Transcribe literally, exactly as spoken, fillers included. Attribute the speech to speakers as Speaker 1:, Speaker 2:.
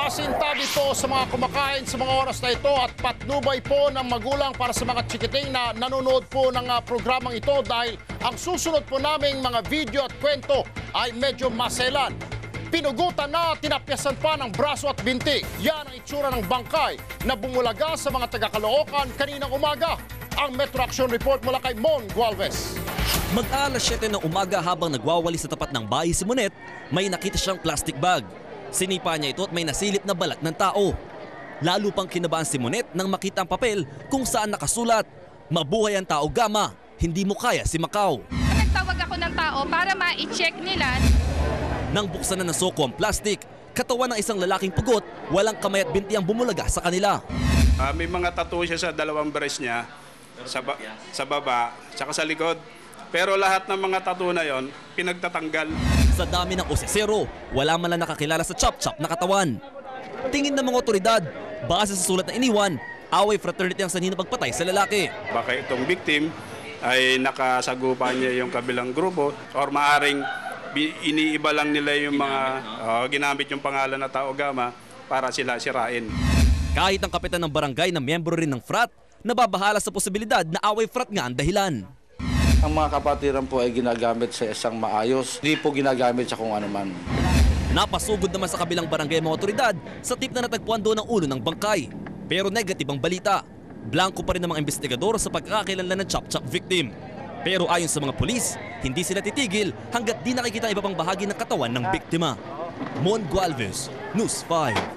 Speaker 1: Pasintabi po sa mga kumakain sa mga oras na ito at patnubay po ng magulang para sa mga chikiting na nanonood po ng uh, programang ito dahil ang susunod po naming mga video at kwento ay medyo maselan. Pinugutan na at tinapyasan pa ng braso at binti. Yan ang itsura ng bangkay na bumulaga sa mga taga-Caloocan kaninang umaga. Ang Metro Action Report mula kay Mon Gualvez.
Speaker 2: Mag-aalas siyete ng umaga habang nagwawali sa tapat ng bahay si Monet, may nakita siyang plastic bag. Sinipa niya ito at may nasilip na balat ng tao. Lalo pang kinabahan si Monet nang makita ang papel kung saan nakasulat, "Mabuhay ang tao Gama, hindi mo kaya si Macau."
Speaker 3: Nagtawag ako ng tao para ma-check nila.
Speaker 2: Nang buksan na ng soko ang plastic, katawan ng isang lalaking pugot, walang kamay at binti ang bumulaga sa kanila.
Speaker 4: Uh, may mga tattoo siya sa dalawang breast niya, sa, ba sa baba, saka sa likod. Pero lahat ng mga tattoo na yon pinagtatanggal.
Speaker 2: Sa dami ng osesero, wala man lang nakakilala sa chop-chop na katawan. Tingin ng mga otoridad, base sa sulat na iniwan, away fraternity ang sanhi na pagpatay sa lalaki.
Speaker 4: Baka itong victim ay nakasagupan niya yung kabilang grupo or maaring iniiba lang nila yung mga uh, ginamit yung pangalan na Tao Gama para sila sirain.
Speaker 2: Kahit ang kapitan ng barangay na miyembro rin ng frat, nababahala sa posibilidad na away frat nga ang dahilan.
Speaker 5: Ang mga kapatiran po ay ginagamit sa isang maayos, hindi po ginagamit sa kung ano man.
Speaker 2: Napasugod naman sa kabilang barangay mga otoridad sa tip na natagpuan doon ang ulo ng bangkay. Pero negative ang balita. Blanco pa rin ang mga investigador sa pagkakakilanlan ng chop-chop victim. Pero ayon sa mga pulis, hindi sila titigil hanggat di nakikita ang iba pang bahagi ng katawan ng biktima. Mon Gualvez, News five.